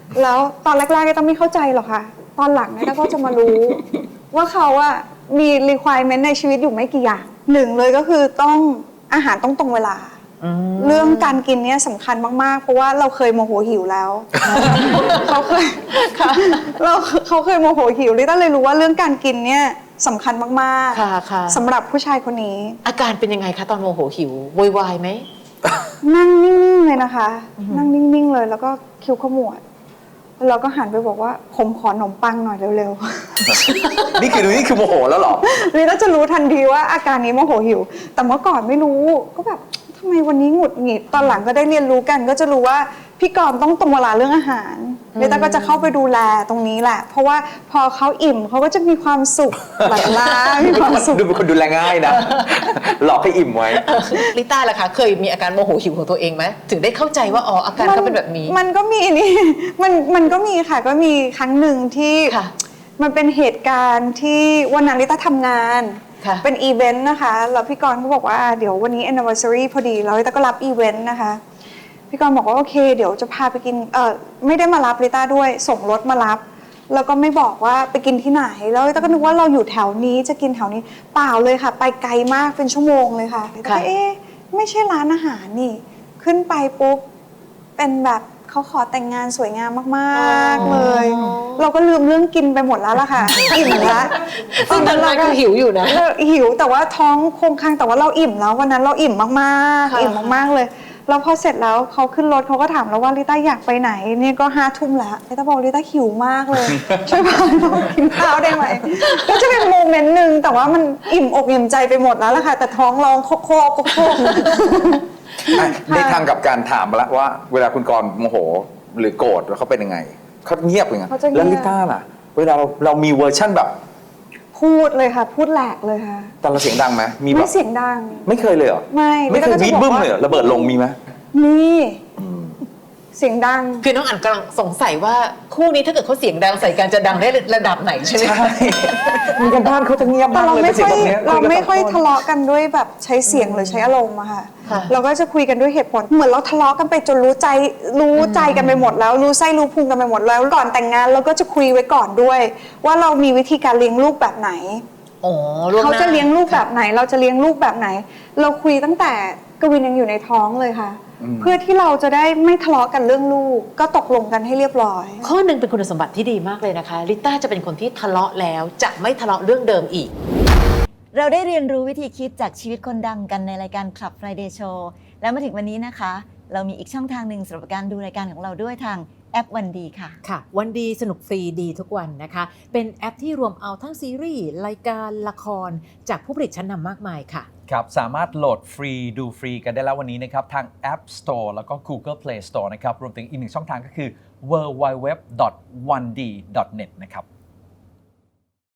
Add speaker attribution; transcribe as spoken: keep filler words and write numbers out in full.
Speaker 1: แล้วตอนแรกๆก็ต้องไม่เข้าใจหรอกค่ะตอนหลังเนี่ยก็จะมารู้ว่าเขาอะมี requirement ในชีวิตอยู่ไม่กี่อย่างหนึ่งเลยก็คือต้องอาหารต้องตรงเวลาเรื่องการกินเนี่ยสำคัญมากๆเพราะว่าเราเคยโมโหหิวแล้วเขาเคยเราเขาเคยโมโหหิวลิต้าเลยรู้ว่าเรื่องการกินเนี่ยสำคัญมากๆสำหรับผู้ชายคนนี้
Speaker 2: อาการเป็นยังไงคะตอนโมโหหิวโวยวายไหม
Speaker 1: นั่งนิ่งๆเลยนะคะนั่งนิ่งๆเลยแล้วก็คิ้วขมวดแล้วเราก็หันไปบอกว่าผมขอขนมปังหน่อยเร็ว
Speaker 3: ๆ นี่คือนี่คือโมโหแล้วหรอ
Speaker 1: ลิต้าจะรู้ทันทีว่าอาการนี้โมโหหิวแต่เมื่อก่อนไม่รู้ก็แบบทำไมวันนี้หงุดหงิดตอนหลังก็ได้เรียนรู้กันก็จะรู้ว่าพี่กรณ์ต้องตรงเวลาเรื่องอาหารลิต้าก็จะเข้าไปดูแลตรงนี้แหละเพราะว่าพอเขาอิ่มเขาก็จะมีความสุขหลั่งล้ามีความสุข
Speaker 3: ดูเป็นคนดูแลง่ายนะหลอกให้อิ่มไว้
Speaker 2: ลิต้าล่ะคะเคยมีอาการโมโหหิวของตัวเองไหมถึงได้เข้าใจว่าอ๋ออาการเขาเป็นแบบนี้
Speaker 1: มันก็มีนี่มันมันก็มีค่ะก็มีครั้งหนึ่งที่มันเป็นเหตุการณ์ที่วันนั้นลิต้าทำงานเป็นอีเวนต์นะคะแล้วพี่กรณ์เขาบอกว่าเดี๋ยววันนี้ anniversary พอดีแล้วลิต้าก็รับอีเวนต์นะคะพี่กรณ์บอกว่าโอเคเดี๋ยวจะพาไปกินเออไม่ได้มารับลิต้าด้วยส่งรถมารับแล้วก็ไม่บอกว่าไปกินที่ไหนแล้วลิต้าก็นึกว่าเราอยู่แถวนี้จะกินแถวนี้เปล่าเลยค่ะไปไกลมากเป็นชั่วโมงเลยค่ะลิต้าเอ๊ะไม่ใช่ร้านอาหารนี่ขึ้นไปปุ๊บเป็นแบบเขาขอแต่งงานสวยงามมากๆเลยเราก็ลืมเรื่องกินไปหมดแล้วล่ะค่ะอิ่มแล้ว
Speaker 2: ตอนนั้นเราก็หิวอยู่นะ
Speaker 1: หิวแต่ว่าท้องคงค้างแต่ว่าเราอิ่มแล้ววันนั้นเราอิ่มมากๆอิ่มมากๆเลยแล้วพอเสร็จแล้วเขาขึ้นรถเขาก็ถามเราว่าลิต้าอยากไปไหนนี่ก็ห้าทุ่มแล้วลิต้าบอกลิต้าหิวมากเลยช่วยพาเรากินข้าวได้ไหมก็จะเป็นโมเมนต์หนึ่งแต่ว่ามันอิ่มอกอิ่มใจไปหมดแล้วล่ะค่ะแต่ท้องร้องโคกโคกโคก
Speaker 3: ในทางกับการถามมาแล้วว่าเวลาคุณกรณ์โมโหหรือโกรธแล้วเขาเป็นยังไงเขาเงียบยังไงแล้วลิต้าล่ะเวลาเราเรามีเวอร์ชั่นแบบ
Speaker 1: พูดเลยค่ะพูดแหลกเลยค่ะ
Speaker 3: แต่เราเสียงดังไหมมี
Speaker 1: ไม่เสียงดัง
Speaker 3: ไม่เคยเลยเหรอ
Speaker 1: ไม่
Speaker 3: ไม่เคยบีทบึ้มเลยระเบิดลงมีไหม
Speaker 1: มีเสียงดัง
Speaker 2: คือน้องอั๋นกำลังสงสัยว่าคู่นี้ถ้าเกิดเขาเสียงดังใส่กันจะดังได้ระดับไหนใช่ไหม
Speaker 3: ใช่มีกันบ้านเขาจะเงียบมากเลย
Speaker 1: เสียงแบบนี้เราไม่ค่อยทะเลาะกันด้วยแบบใช้เสียงหรือใช้อารมณ์อะค่ะเราก็จะคุยกันด้วยเหตุผลเหมือนเราทะเลาะกันไปจนรู้ใจรู้ใจกันไปหมดแล้วรู้ไส้รู้พุงกันไปหมดแล้วก่อนแต่งงานเราก็จะคุยไว้ก่อนด้วยว่าเรามีวิธีการเลี้ยงลูกแบบไหนเขาจะเลี้ยงลูกแบบไหนเราจะเลี้ยงลูกแบบไหนเราคุยตั้งแต่กวินยังอยู่ในท้องเลยค่ะเพื่อที่เราจะได้ไม่ทะเลาะกันเรื่องลูกก็ตกลงกันให้เรียบร้อย
Speaker 2: ข้อหนึ่งเป็นคุณสมบัติที่ดีมากเลยนะคะลิต้าจะเป็นคนที่ทะเลาะแล้วจะไม่ทะเลาะเรื่องเดิมอีก
Speaker 4: เราได้เรียนรู้วิธีคิดจากชีวิตคนดังกันในรายการ Club Friday Show แล้วมาถึงวันนี้นะคะเรามีอีกช่องทางหนึ่งสำหรับการดูรายการของเราด้วยทางแอปวันดีค่ะ
Speaker 2: ค่ะวันดีสนุกฟรีดีทุกวันนะคะเป็นแอปที่รวมเอาทั้งซีรีส์รายการละครจากผู้ผลิตชั้นนำมากมายค่ะ
Speaker 5: ครับสามารถโหลดฟรีดูฟรีกันได้แล้ววันนี้นะครับทาง App Store แล้วก็ Google Play Store นะครับรวมถึงอีกหนึ่งช่องทางก็คือ ดับเบิลยู ดับเบิลยู ดับเบิลยู ดอท วันดี ดอท เน็ต นะครับ